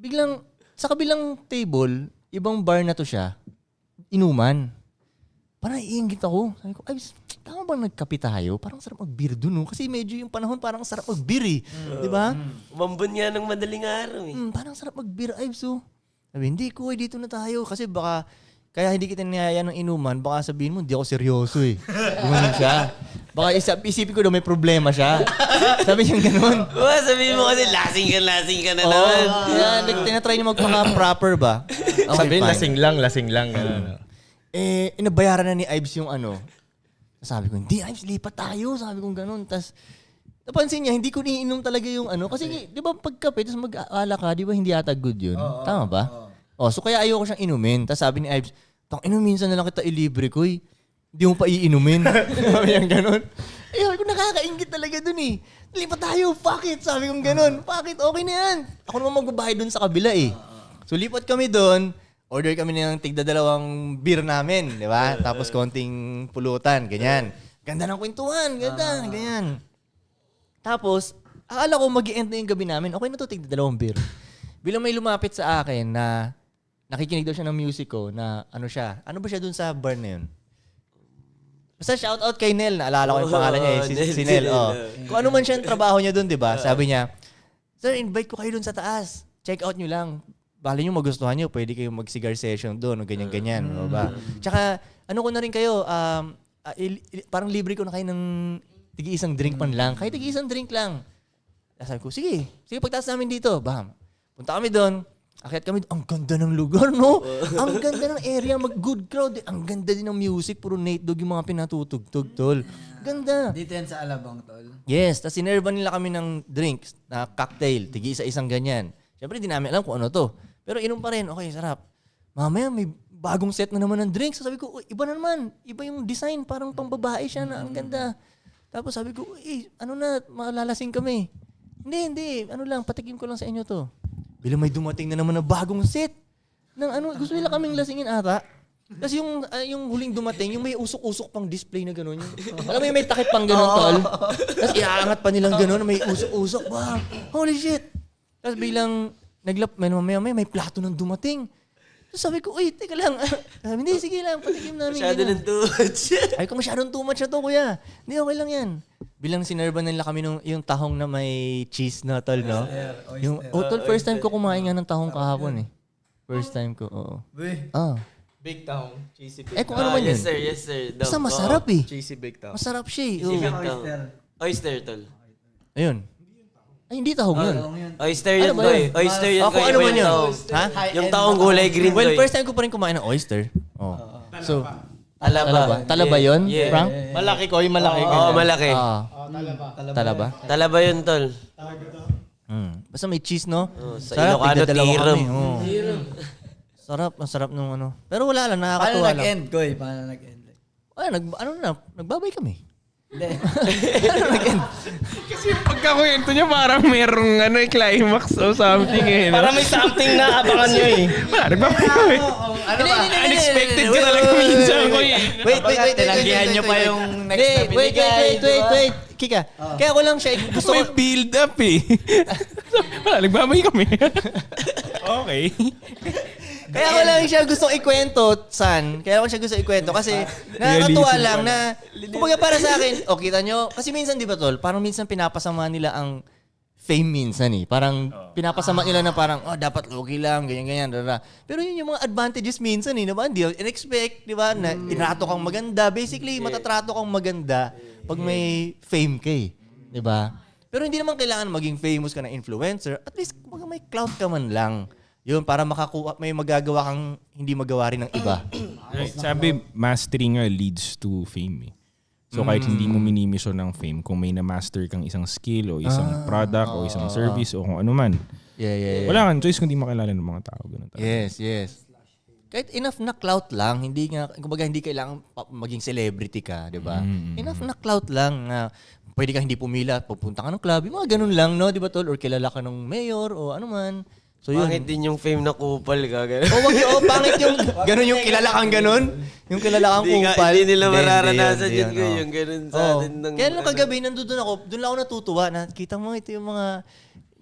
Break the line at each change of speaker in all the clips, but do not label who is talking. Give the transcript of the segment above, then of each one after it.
biglang, sa kabilang table, ibang bar na to siya, inuman. Parang iinggit ako. Sabi ko, ay, tama bang nagkape tayo? Parang sarap mag-beer dun, no? Kasi medyo yung panahon parang sarap mag-beer, eh. Di ba?
Umambon nga ng madaling araw, eh.
Parang sarap mag-beer, ay, so. Sabi, hindi ko, dito na tayo. Kasi baka, kaya hindi kita niyaya ng inuman, baka sabihin mo, hindi ako seryoso, eh. Gumanon siya. Baka isipin ko daw may problema siya. Sabi niya gano'n.
Sabihin mo kasi, lasing ka na naman.
Kaya tinatry niya magpaka-proper ba? Okay,
Sabihin,
fine.
lasing lang. Ganun.
Inabayaran na ni Ives yung ano. Sabi ko, hindi Ives, lipat tayo. Sabi ko gano'n. Tapos, napansin niya, hindi ko niinom talaga yung ano. Kasi, di ba, pagkape, tapos mag-aala ka, di ba, hindi ata good yun? Tama ba? So kaya ayoko siyang inumin. Tapos sabi ni Ives, minsan na lang kita ilibre ko, eh. Hindi mo pa iinumin. Sabi niya gano'n. Sabi ko, nakakaingit talaga dun, eh. Lipat tayo, fuck it. Sabi ko gano'n, fuck it, okay na yan. Ako naman magbabayad dun sa kabila, eh. So lipat kami dun. Order kami ng tigda-dalawang beer namin, di ba? Tapos konting pulutan, ganyan. Ganda ng kwentuhan, ganda, ganyan. Tapos, akala ko mag-i-end na yung gabi namin. Okay na to, tigda-dalawang beer. Bilang may lumapit sa akin na nakikinig daw siya ng music ko, na ano siya, ano ba siya dun sa bar na yun? Basta shoutout kay Nel, naalala ko yung pangalan niya, si Nel. Kung ano man siya ang trabaho niya dun, di ba? Sabi niya, sir, invite ko kayo dun sa taas. Check out nyo lang. Bali nyo magustuhan nyo, pwede kayong mag-cigar session doon o ganyan-ganyan. Ba? Tsaka, ano ko na rin kayo, parang libre ko na kayo ng tigi-isang drink man lang. Kahit tigi-isang drink lang. Sabi ko, sige, pagtaas namin dito. Bam. Punta kami doon. Akyat kami, ang ganda ng lugar, no? Ang ganda ng area, good crowd. Ang ganda din ng music, puro Nate Dogg yung mga pinatutugtog, tol. Ganda.
Dito yan sa Alabang, tol.
Yes, tapos sinerva nila kami ng drinks, na cocktail, tigi-isa-isang ganyan. Siyempre, di namin alam kung ano to. Pero inom pa rin, okay, sarap. Mamaya may bagong set na naman ng drinks. So sabi ko, iba na naman. Iba yung design, parang pambabae siya na ang ganda. Tapos sabi ko, ano na, malalasing kami. Hindi, ano lang, patikim ko lang sa inyo to. Bilang may dumating na naman na bagong set. Ng ano, gusto nila kaming lasingin ata. Kasi yung huling dumating, yung may usok-usok pang display na gano'n. Alam mo yung may takip pang gano'n, tol. Tapos iaangat pa nilang gano'n, may usok-usok. Wow, holy shit. Tapos bilang may plato nang dumating. So sabi ko, teka lang. Sabi, hindi, sige lang, patikim namin.
Masyado ng too much.
Ay, kung masyadong too much na to, kuya. Hindi, okay lang yan. Bilang sinerban nila kami yung tahong na may cheese na, tol, no? Tol, first time ko kumain nga ng tahong kahapon, eh. First time ko, oo.
Big Town. Cheesy Big
Kung ano man yun.
Yes, sir.
Basta masarap, eh.
Cheesy Big Town.
Masarap siya, eh.
Oyster, tol.
Ayun. Ay, hindi tahong yun.
Oyster yun,
Ano ba
boy.
yun?
Oyster yun,
Kung
boy.
ano man yun. Ha?
Yung taong gulay green,
Well,
boy.
first time ko pa rin kumain ng oyster. So,
Talaba.
Talaba yun,
Yeah.
Frank?
Malaki ko, yung malaki.
Oo, malaki.
Talaba.
Talaba yun, tol.
Basta may cheese, no?
Sa
Sarap,
Ilocano,
tigdadalawa
tiram.
kami, Sarap, ang sarap nung ano. Pero wala lang,
Paano
nakakatuwa lang.
nag-end, Koy? Paano nag-end?
Nagbabay kami.
Hindi.
Kasi yung pagkakwento niya parang merong climax or something eh.
Para may something na abangan nyo eh.
Nagbabay kami.
Ano ba?
Unexpected ka talaga minsan ko eh.
Wait.
Tinanggihan nyo pa yung next na binigay.
Wait. Kika, kaya ko lang siya, gusto
May
ko,
build up eh. Nagbabay kami. Okay.
kaya ko lang siya gusto ikwento, San. Kaya ko siya gusto ikwento kasi nakakatuwa lang na, kumbaga para sa akin, kita nyo, kasi minsan di ba tol, parang minsan pinapasama nila ang fame minsan eh. Parang pinapasama nila na parang, dapat low-key lang, ganyan. Pero yun yung mga advantages minsan eh, diba? Hindi in-expect, di ba? Na tinato kang maganda. Basically, matatrato kang maganda pag may fame ka eh. Di ba? Pero hindi naman kailangan maging famous ka na influencer. At least, kumbaga may clout ka man lang. Yun, para may magagawa kang hindi magawa rin ng iba.
Sabi, mastery nga leads to fame eh. So kahit hindi mo minimission ng fame, kung may na-master kang isang skill o isang product o isang service o kung ano man,
Yeah.
wala kang choice kundi makilala ng mga tao. Ganun talaga.
Yes. Kahit enough na clout lang, kumbaga hindi kailangan maging celebrity ka, di ba? Enough na clout lang na pwede ka hindi pumila, pupunta ka ng club, yung mga ganun lang, no? Di ba tol? Or kilala ka ng mayor o ano man. So yun.
Pangit din yung fame na kupal ka. Ganun.
Pangit yung ganun yung kilala kang ganun. Yung kilala kang kupal.
Hindi nila mararanasan
Hindi
yun ko. Yung ganun sa atin.
Kaya nung kagabi, doon lang ako natutuwa. Nakita mo, ito yung mga,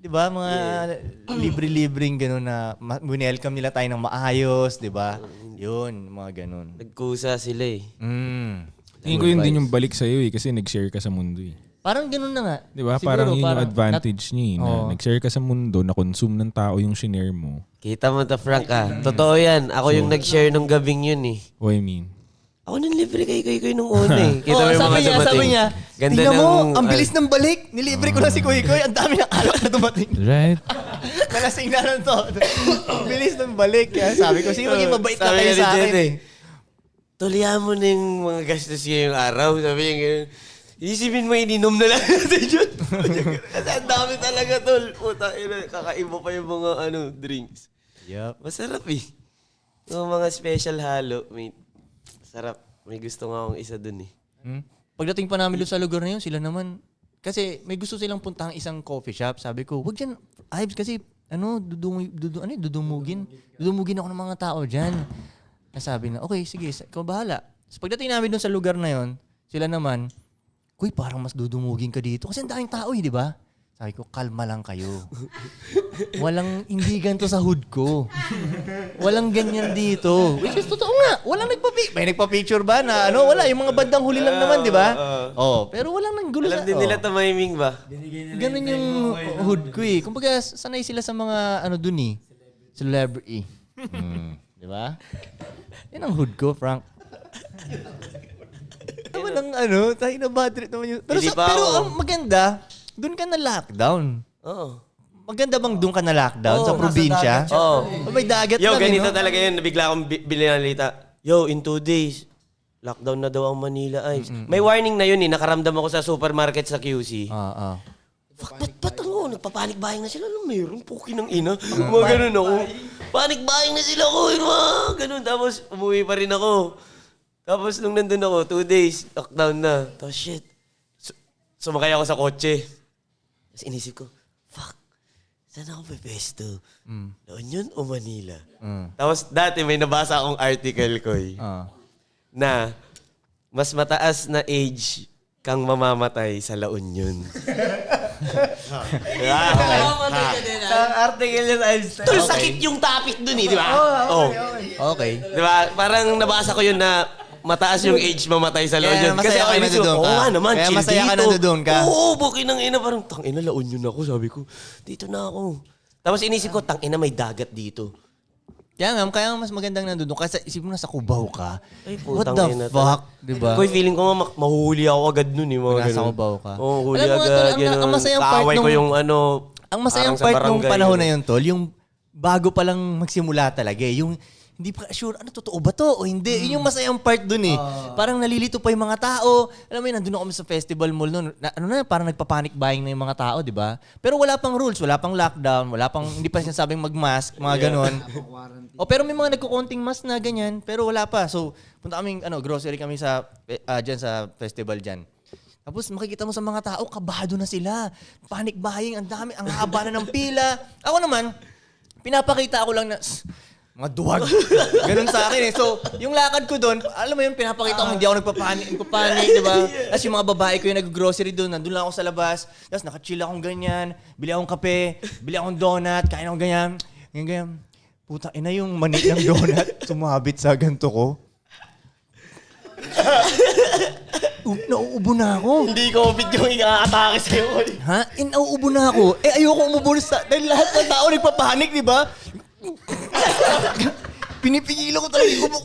di ba, mga libre-libreng gano'n na welcome nila tayo ng maayos, di ba? Yun, mga gano'n.
Nagkusa sila eh.
Tingin ko yun din yung balik sa'yo kasi nag-share ka sa mundo eh.
Parang gano'n na nga.
Di ba?
Siguro,
Parang yun yung
parang
advantage niya eh, na nag-share ka sa mundo, na-consume ng tao yung shinare mo.
Kita mo to, Frank Totoo yan. Ako yung nag-share nung gabing yun eh.
What I mean?
Ako nang libre kay nung una eh. Kita mo yung
sabi
mga dumating.
sabi niya,
Ganda
tingnan mo,
ng-
ang bilis ng balik. Nilibre ko lang si Kuy Kuy. Ang dami ng alak na dumating.
Right?
Nalasing na lang to. Ang bilis ng balik. Kaya sabi ko, sige, maging mabait na
Sabi
kayo
nga ni
sa
Jen
akin.
eh. Tulihan mo na yung mga gastos ngayong araw. Sabi niya gano'n. Isipin mo, ininom na lang natin yun. Kasi ang dami talaga, tol. Puta, kakaiba pa yung mga drinks.
Yup.
Masarap eh. Yung mga special halo, mate. Sarap. May gusto nga akong isa dun eh.
Pagdating pa namin doon sa lugar na yun, sila naman, kasi may gusto silang puntahang isang coffee shop. Sabi ko, wag dyan, Ives, kasi dudumugin ako ng mga tao dyan. Sabi na, okay, sige, ikaw bahala. So, pagdating namin doon sa lugar na yun, sila naman, Kuy, parang mas dudumugin ka dito. Kasi ang daming tao di ba? Sabi ko, kalma lang kayo. Hindi ganito sa hood ko. Walang ganyan dito. Which is totoo nga. Walang may nagpa-picture ba na wala. Yung mga bandang huli lang naman, di ba? Pero walang nanggulo
Alam din nila tumiming ba?
Ganun yung hood ko eh. Kumbaga, sanay sila sa mga dun eh. Celebrity. Di ba? Yan ang hood ko, Frank. Naman ang tayo na bad trip naman yun. Pero,
Hindi pa
pero
ako.
ang maganda, dun ka na lockdown.
Oo.
Maganda bang dun ka na lockdown sa probinsya?
Oo.
May dagat
Yo,
lang,
ganito
no?
talaga yun. Nabigla akong binalita. Yo, in 2 days, lockdown na daw ang Manila Ives. May warning na yun eh. Nakaramdam ako sa supermarket sa QC. Fuck, ba't nagpapanik buying na sila? Alam, mayroon puki ng ina. Mga ganun ako. Panic buying na sila ko. Ganun. Tapos, umuwi pa rin ako. Tapos, nung nandun ako, 2 days, lockdown na. Tapos, shit. Sumakay ako sa kotse. Tapos, inisip ko, fuck, saan ako pepesto? La Union o Manila? Tapos, dati may nabasa akong article ko na mas mataas na age kang mamamatay sa La Union.
Ang article yun, Einstein.
Tol, sakit yung topic dun eh, di ba?
Okay.
Di ba? Parang nabasa ko yun na mataas yung age mamatay sa La
Kaya
Union.
masaya
Kasi ako
ka
inisip ko,
nandun
oo
ka.
nga naman,
Kaya
chill
masaya ka
dito.
nandun ka.
Oo, bukin ng ina. Parang, tangina, La Union ako. Sabi ko, dito na ako. Tapos inisip ko, tangina, may dagat dito.
Kaya mas magandang nandun kasi isip mo na sa Cubao ka.
Ay,
What
putang
the
ina,
fuck? Di ba?
Koy, feeling ko nga mahuhuli ako agad nun eh. Mga
Nasa
ganun.
Cubao ka.
Oo, huli
Alam mo nga,
agad.
tol, ang
ganun.
masayang part
Kaaway ko
nung-
yung
Ang masayang
parang sa
part nung
barangay,
panahon na
ganun.
yun, tol, yung bago pa lang magsimula talaga eh. Yung hindi pa sure, totoo ba to o hindi? Yun yung masayang part dun eh. Parang nalilito pa yung mga tao. Alam mo yun, nandun ako sa festival mall noon. Parang nagpa-panic buying na yung mga tao, di ba? Pero wala pang rules, wala pang lockdown, hindi pa sinasabing mag-mask, mga ganon. Pero may mga nagkukonting mask na ganyan, pero wala pa. So, punta kaming, grocery kami dyan sa festival dyan. Tapos makikita mo sa mga tao, kabado na sila. Panic buying, ang dami, ang haba na ng pila. Ako naman, pinapakita ako lang na, mga duwag. Ganun sa akin eh. So, yung lakad ko doon, alam mo yun, pinapakita ko, hindi ako nagpapanik, di ba? Tapos yung mga babae ko yung nag-grocery doon, nandun lang ako sa labas. Tapos nakachill akong ganyan, bili akong kape, bili akong donut, kain akong ganyan. Ganyan. Puta, ina yung mani ng donut, sumabit sa ganito ko. Nauubo na ako.
Hindi COVID yung ika-atake sa'yo.
Ha? Nauubo na ako. Ayoko umubo dahil lahat ng tao nagpapanik, di ba? Pinipigilan ko talaga yung umubo.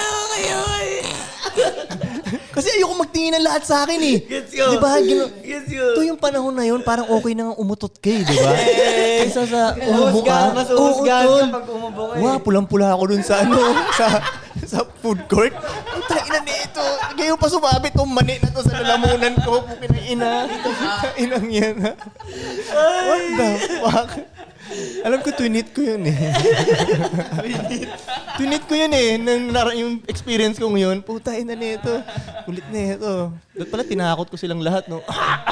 Kasi ayoko magtingin ng lahat sa akin eh.
Gets ko.
Di ba?
Gets ko.
Ito yung panahon na yun, parang okay na nga umutot ka eh, di ba? Kaysa sa umubo ka.
Mas
Oo,
uhusgahan
tol.
ka pag umubo ka eh.
Wow, pulang-pula ako dun sa sa food court. Ang ina nito. Ngayon pa sumabit tong mani na to sa lalamunan ko. Pukin na ina. Inang yan. Ha? What the fuck? Alam ko, twinit ko yun eh. Twinit ko yun eh. Yung experience ko ngayon, puta, ina nito. Kulit na ito. Doon pala, tinakot ko silang lahat, no?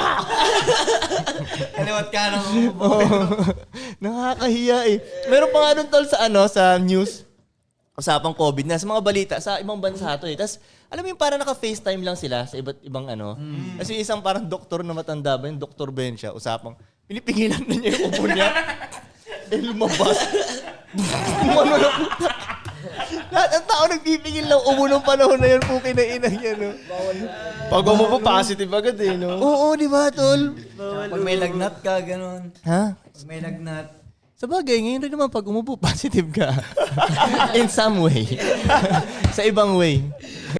Kaliwat ka ng
Oo. Nakakahiya eh. Meron pa nga doon tol sa news. Usapang COVID na sa mga balita sa ibang bansa to eh. Tapos alam mo yung parang naka-FaceTime lang sila sa iba't ibang Kasi isang parang doktor na matanda ba, yung Dr. Ben siya, usapang pinipigilan na niya yung ubo niya. Eh, lumabas. Umano na puta. Lahat ng tao nagpipigil ng ubo ng panahon na yun, puki na inang yan, no?
Pag umupo, positive agad eh, no?
Oo, di ba, tol?
Pag may lagnat ka, ganun.
Ha?
Pag may lagnat.
Sa bagay, ngayon rin naman pag umupo, positive ka. In some way. Sa ibang way.